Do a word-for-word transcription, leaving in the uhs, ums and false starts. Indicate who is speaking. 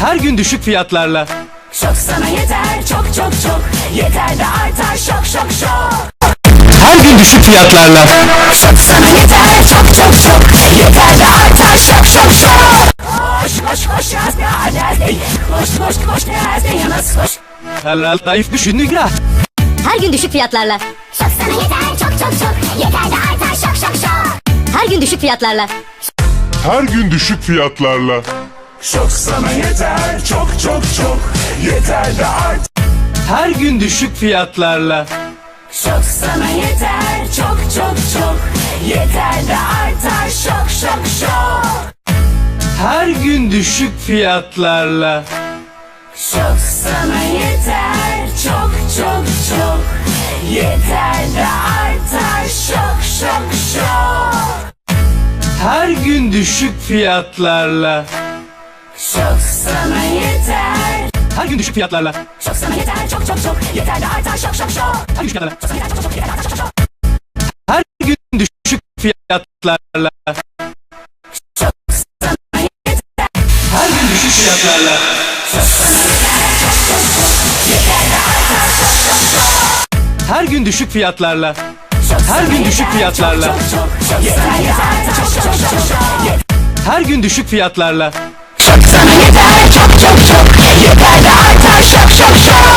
Speaker 1: Her gün düşük fiyatlarla.
Speaker 2: Şok sana yeter çok çok çok. Yeter de artar şok şok şok.
Speaker 1: Her gün düşük fiyatlarla.
Speaker 2: Şok sana yeter çok çok çok. Yeter de artar şok şok şok. Koş koş koş yaz ne halde. Koş koş koş ne halde yalnız koş.
Speaker 1: Helal zayıf düşündük ya.
Speaker 3: Her gün düşük fiyatlarla.
Speaker 2: Şok sana yeter çok çok çok. Yeter de artar şok şok şok.
Speaker 3: Her gün düşük fiyatlarla.
Speaker 4: Her gün düşük fiyatlarla.
Speaker 5: Şok sana yeter çok çok çok. Yeter de art.
Speaker 1: Her gün düşük fiyatlarla.
Speaker 2: Şok sana yeter çok çok çok. Yeter de artar şok şok şok.
Speaker 1: Her gün düşük fiyatlarla.
Speaker 2: Şok sana yeter çok çok çok. Yeter de artar şok şok şok.
Speaker 1: Her gün düşük fiyatlarla.
Speaker 2: Şok sana yeter.
Speaker 1: Her gün düşük fiyatlarla.
Speaker 2: Şok sana yeter çok çok çok. Yeter de artar şok şok şok.
Speaker 1: Her gün düşük fiyatlarla.
Speaker 2: Şok sana yeter çok çok çok. Yeter de artar şok şok şok.
Speaker 1: Her gün düşük fiyatlarla.
Speaker 2: Şok sana yeter.
Speaker 1: Her gün düşük fiyatlarla.
Speaker 2: Şok sana yeter çok çok çok. Yeter de artar şok şok şok.
Speaker 1: Her gün düşük fiyatlarla.
Speaker 2: Şok
Speaker 1: Her
Speaker 2: sana
Speaker 1: gün düşük
Speaker 2: yeter
Speaker 1: fiyatlarla.
Speaker 2: çok çok çok. Yeter de artar şok şok şok şok.
Speaker 1: Her gün düşük fiyatlarla.
Speaker 2: Şok sana yeter çok çok çok. Yeter de artar şok şok şok.